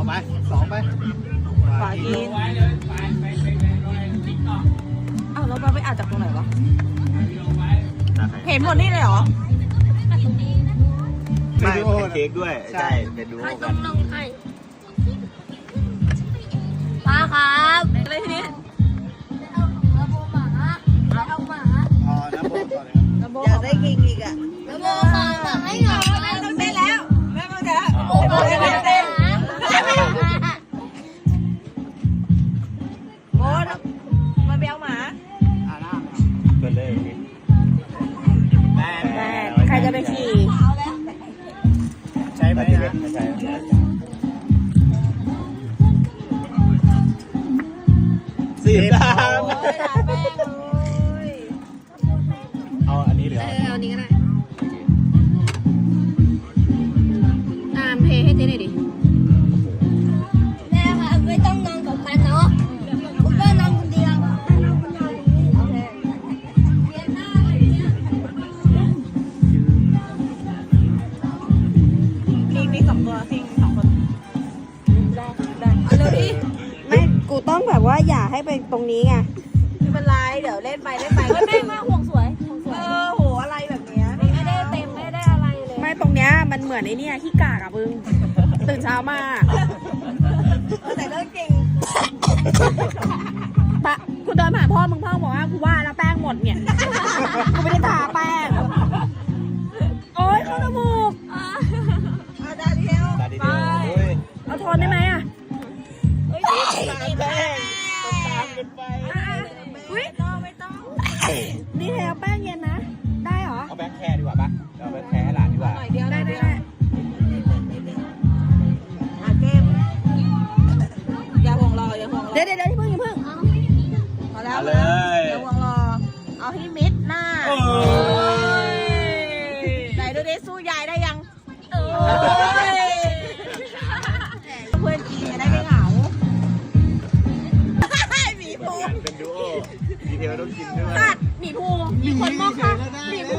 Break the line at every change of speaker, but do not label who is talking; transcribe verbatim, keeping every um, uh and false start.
ไปสองไป
ฝากินอ้าวเราไปอ่านจากตรงไหนวะเห็นหมดนี่เลยเหรอ
ไม่เป็นเค้กด้วยใช่เป็นดู
ให้ต้องลงให้ป้าครับ
อะไรทีนี้
ระโบหมาเอาหมา
อ๋อน้ำโบก่อนเลย
ครับอยากได้กินอีกอ่ะ
ระโบหมาหมาให้หน่อย
ต้องเต้นแล้วแม่มึงจะโอ้โหเต้นโอ้มาเบลหมา
เปิดเลยแม่
ใครจะไปขี่
ใช่ไหมนะใช่สีดำเอาอันนี้หรือ
เอาอันนี้ก็ได้อ่านเพลงให้เจ๊หน่อยดิแม่ค่ะไม่ต้องนอนกับกันเนาะคุณแม่นอนคนเดียว
คิงมีสองตัวคิงสองคนได้ได้เร็วดิไม่กูต้องแบบว่าอย่าให้ไปตรงนี้ไงไม่เป็นไรเดี๋ยวเล่นไปเล่นไปก็
แม่มาห่วงสวยห่วงสวย
เออโหอะไรแบบเนี้ย
ไม่ได้เต็มไม่ได้อะไรเลย
ไม่ตรงเนี้ยมันเหมือนไอ้นี่ขี้กากอะมึงตื่นเช้ามาแต่เรื่องจริงปะกูเดินผ่านพ่อมึงพ่อบอกว่ากูว่าแล้วแป้งหมดเนี่ยกูไม่ได้ทาแป้งโอ๊ยเข้าจมูกเอาดาเดียว
ตาดีเดียว
เอาทนได้ไหมอะ
ตามแป้งตามกันไป
อุ้ยไม่ต้องนี่แล้วแป้งเย็นนะได้เหรอ
เอาแบงค์แคร์ดีกว่าปะเอาแบงค์แคร์ให้หลานดีกว่า
หน่อยเดียวได้ได้ได้อาเกมอย่าห่วงรออย่าห่วงรอเดี๋ยวเดี๋ยวที่เพิ่งอย่าเพิ่งพอแล้วเลยอย่าห่วงรอเอาให้มิดหน้าไหนดูดิสู้ยายได้ยังเพื่อนกินจะได้ไม่เหงาหมีภู
เป็นดูโอดีเทลต้องกินด้วย
ตัดหมีภูมีคนมองค่ะหมีภู